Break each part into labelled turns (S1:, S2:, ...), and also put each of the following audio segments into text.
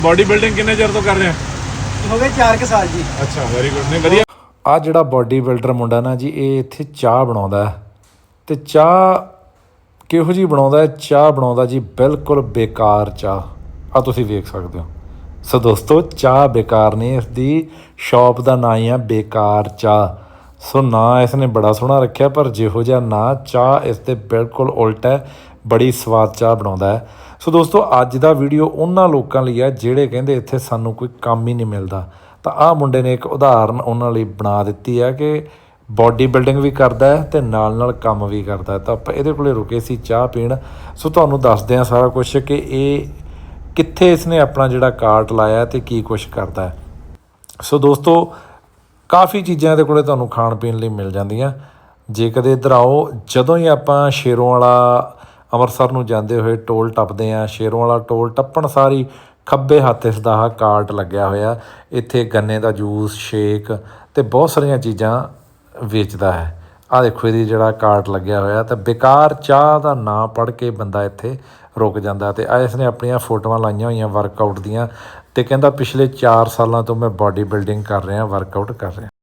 S1: Body building ਕਿੰਨੇ ਚਿਰ ਤੋਂ ਕਰ ਰਹੇ
S2: ਹੋ ਗਏ 4 ਸਾਲ ਜੀ।
S1: ਅੱਛਾ, ਵੈਰੀ ਗੁੱਡ। ਨੇ ਵਧੀਆ।
S3: ਆ ਜਿਹੜਾ ਬੋਡੀ ਬਿਲਡਰ ਮੁੰਡਾ ਨਾ ਜੀ, ਇਹ ਇੱਥੇ ਚਾਹ ਬਣਾਉਂਦਾ ਤੇ ਚਾਹ ਕਿਹੋ ਜਿਹੀ ਬਣਾਉਂਦਾ? ਚਾਹ ਬਣਾਉਂਦਾ ਜੀ ਬਿਲਕੁਲ ਬੇਕਾਰ ਚਾਹ। ਆ ਤੁਸੀਂ ਵੇਖ ਸਕਦੇ ਹੋ। ਸੋ ਦੋਸਤੋ, ਚਾਹ ਬੇਕਾਰ ਨਹੀਂ, ਇਸ ਦੀ ਸ਼ੌਪ ਦਾ ਨਾਂ ਹੀ ਆ ਬੇਕਾਰ ਚਾਹ। ਸੋ ਨਾਂ ਇਸ ਨੇ ਬੜਾ ਸੋਹਣਾ ਰੱਖਿਆ, ਪਰ ਜਿਹੋ ਜਿਹਾ ਨਾਂ, ਚਾਹ ਇਸ ਦੇ ਬਿਲਕੁਲ ਉਲਟ ਹੈ। ਬੜੀ ਸਵਾਦ ਚਾਹ ਬਣਾਉਂਦਾ ਹੈ। ਸੋ ਦੋਸਤੋ, ਅੱਜ ਦਾ ਵੀਡੀਓ ਉਹਨਾਂ ਲੋਕਾਂ ਲਈ ਆ ਜਿਹੜੇ ਕਹਿੰਦੇ ਇੱਥੇ ਸਾਨੂੰ ਕੋਈ ਕੰਮ ਹੀ ਨਹੀਂ ਮਿਲਦਾ। ਤਾਂ ਆਹ ਮੁੰਡੇ ਨੇ ਇੱਕ ਉਦਾਹਰਨ ਉਹਨਾਂ ਲਈ ਬਣਾ ਦਿੱਤੀ ਹੈ ਕਿ ਬੋਡੀ ਬਿਲਡਿੰਗ ਵੀ ਕਰਦਾ ਹੈ ਅਤੇ ਨਾਲ ਨਾਲ ਕੰਮ ਵੀ ਕਰਦਾ ਹੈ। ਤਾਂ ਆਪਾਂ ਇਹਦੇ ਕੋਲੇ ਰੁਕੇ ਸੀ ਚਾਹ ਪੀਣ। ਸੋ ਤੁਹਾਨੂੰ ਦੱਸਦੇ ਹਾਂ ਸਾਰਾ ਕੁਛ ਕਿ ਇਹ ਕਿੱਥੇ ਇਸਨੇ ਆਪਣਾ ਜਿਹੜਾ ਕਾਰਟ ਲਾਇਆ ਅਤੇ ਕੀ ਕੁਛ ਕਰਦਾ ਹੈ। ਸੋ ਦੋਸਤੋ, ਕਾफ़ੀ ਚੀਜ਼ਾਂ ਇਹਦੇ ਕੋਲੇ ਤੁਹਾਨੂੰ ਖਾਣ ਪੀਣ ਲਈ ਮਿਲ ਜਾਂਦੀਆਂ। ਜੇ ਕਦੇ ਇੱਧਰ ਆਓ, ਜਦੋਂ ਹੀ ਆਪਾਂ ਸ਼ੇਰੋਂ ਵਾਲਾ ਅੰਮ੍ਰਿਤਸਰ ਨੂੰ ਜਾਂਦੇ ਹੋਏ ਟੋਲ ਟੱਪਦੇ ਹਾਂ, ਸ਼ੇਰੋਂ ਵਾਲਾ ਟੋਲ ਟੱਪਣ ਸਾਰੀ ਖੱਬੇ ਹੱਥ ਇਸ ਦਾ ਕਾਰਟ ਲੱਗਿਆ ਹੋਇਆ। ਇੱਥੇ ਗੰਨੇ ਦਾ ਜੂਸ, ਸ਼ੇਕ ਅਤੇ ਬਹੁਤ ਸਾਰੀਆਂ ਚੀਜ਼ਾਂ ਵੇਚਦਾ ਹੈ। ਆਹ ਦੇਖੋ ਇਹਦੀ ਜਿਹੜਾ ਕਾਰਟ ਲੱਗਿਆ ਹੋਇਆ। ਤਾਂ ਬੇਕਾਰ ਚਾਹ ਦਾ ਨਾਂ ਪੜ੍ਹ ਕੇ ਬੰਦਾ ਇੱਥੇ ਰੁਕ ਜਾਂਦਾ। ਅਤੇ ਇਸ ਨੇ ਆਪਣੀਆਂ ਫੋਟੋਆਂ ਲਾਈਆਂ ਹੋਈਆਂ ਵਰਕਆਊਟ ਦੀਆਂ ਅਤੇ ਕਹਿੰਦਾ ਪਿਛਲੇ 4 ਸਾਲਾਂ ਤੋਂ ਮੈਂ ਬਾਡੀ ਬਿਲਡਿੰਗ ਕਰ ਰਿਹਾ, ਵਰਕਆਊਟ ਕਰ ਰਿਹਾ।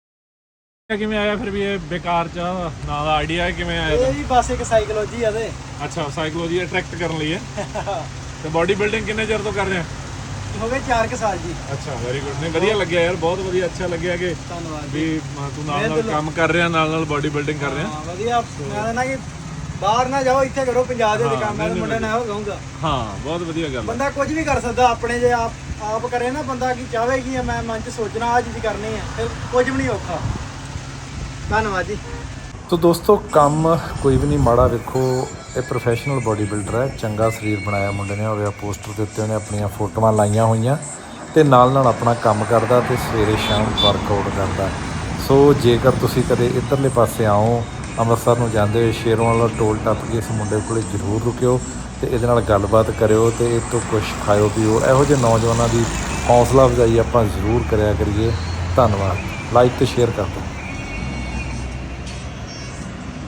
S1: ਕਿਵੇਂ ਆਇਆ ਫਿਰ ਵੀ ਇਹ ਬੇਕਾਰ ਚਾਹ ਨਾਂ ਦਾ ਆਈਡੀਆ ਕਿਵੇਂ ਆਇਆ?
S2: ਇਹ ਵੀ ਬਸ ਇੱਕ ਸਾਈਕੋਲੋਜੀ ਆ ਤੇ।
S1: ਅੱਛਾ, ਸਾਈਕੋਲੋਜੀ ਅਟਰੈਕਟ ਕਰਨ ਲਈ ਹੈ। ਤੇ ਬਾਡੀ ਬਿਲਡਿੰਗ ਕਿੰਨੇ ਚਿਰ ਤੋਂ ਕਰ ਰਹੇ
S2: ਹੋ ਗਏ 4 ਸਾਲ ਜੀ।
S1: ਅੱਛਾ, ਵੈਰੀ ਗੁੱਡ। ਨੇ ਵਧੀਆ ਲੱਗਿਆ ਯਾਰ, ਬਹੁਤ ਵਧੀਆ। ਅੱਛਾ ਲੱਗਿਆ ਕਿ
S2: ਧੰਨਵਾਦ
S1: ਵੀ ਤੂੰ ਨਾਲ ਨਾਲ ਕੰਮ ਕਰ ਰਿਹਾ, ਨਾਲ ਨਾਲ ਬਾਡੀ ਬਿਲਡਿੰਗ ਕਰ ਰਿਹਾ।
S2: ਹਾਂ ਵਧੀਆ। ਮੈਂ ਨਾ ਕਿ ਬਾਹਰ ਨਾ ਜਾਓ, ਇੱਥੇ ਕਰੋ ਪੰਜਾਬ ਦੇ ਕੰਮ। ਮੈਂ ਮੁੰਡੇ ਨਾਲ ਇਹੋ ਕਹੂੰਗਾ।
S1: ਹਾਂ, ਬਹੁਤ ਵਧੀਆ ਗੱਲ।
S2: ਬੰਦਾ ਕੁਝ ਵੀ ਕਰ ਸਕਦਾ ਆਪਣੇ, ਜੇ ਆਪ ਕਰੇ ਨਾ। ਬੰਦਾ ਕੀ ਚਾਹਵੇ ਕਿ ਮੈਂ ਮਨ 'ਚ ਸੋਚਣਾ ਆਹ ਚੀਜ਼ ਕਰਨੀ ਹੈ, ਫਿਰ ਕੁਝ ਵੀ ਨਹੀਂ ਔਖਾ। ਧੰਨਵਾਦ ਜੀ।
S3: ਤੋ ਦੋਸਤੋ, ਕੰਮ ਕੋਈ ਵੀ ਨਹੀਂ ਮਾੜਾ। ਵੇਖੋ, ਇਹ ਪ੍ਰੋਫੈਸ਼ਨਲ ਬੋਡੀ ਬਿਲਡਰ ਹੈ। ਚੰਗਾ ਸਰੀਰ ਬਣਾਇਆ ਮੁੰਡੇ ਨੇ। ਹੋਵੇ ਪੋਸਟਰ ਦੇ ਉੱਤੇ ਉਹਨੇ ਆਪਣੀਆਂ ਫੋਟੋਆਂ ਲਾਈਆਂ ਹੋਈਆਂ ਅਤੇ ਨਾਲ ਨਾਲ ਆਪਣਾ ਕੰਮ ਕਰਦਾ ਅਤੇ ਸਵੇਰੇ ਸ਼ਾਮ ਵਰਕਆਊਟ ਕਰਦਾ। ਸੋ ਜੇਕਰ ਤੁਸੀਂ ਕਦੇ ਇੱਧਰਲੇ ਪਾਸੇ ਆਓ, ਅੰਮ੍ਰਿਤਸਰ ਨੂੰ ਜਾਂਦੇ ਹੋਏ ਸ਼ੇਰੋਂ ਵਾਲਾ ਟੋਲ ਟੱਪ ਕੇ ਇਸ ਮੁੰਡੇ ਕੋਲ ਜ਼ਰੂਰ ਰੁਕਿਓ ਅਤੇ ਇਹਦੇ ਨਾਲ ਗੱਲਬਾਤ ਕਰਿਓ ਅਤੇ ਇਹ ਤੋਂ ਕੁਛ ਖਾਇਓ ਪੀਓ। ਇਹੋ ਜਿਹੇ ਨੌਜਵਾਨਾਂ ਦੀ ਹੌਸਲਾ ਅਫਜ਼ਾਈ ਆਪਾਂ ਜ਼ਰੂਰ ਕਰਿਆ ਕਰੀਏ। ਧੰਨਵਾਦ। ਲਾਈਕ ਅਤੇ ਸ਼ੇਅਰ ਕਰ ਦਿਓ।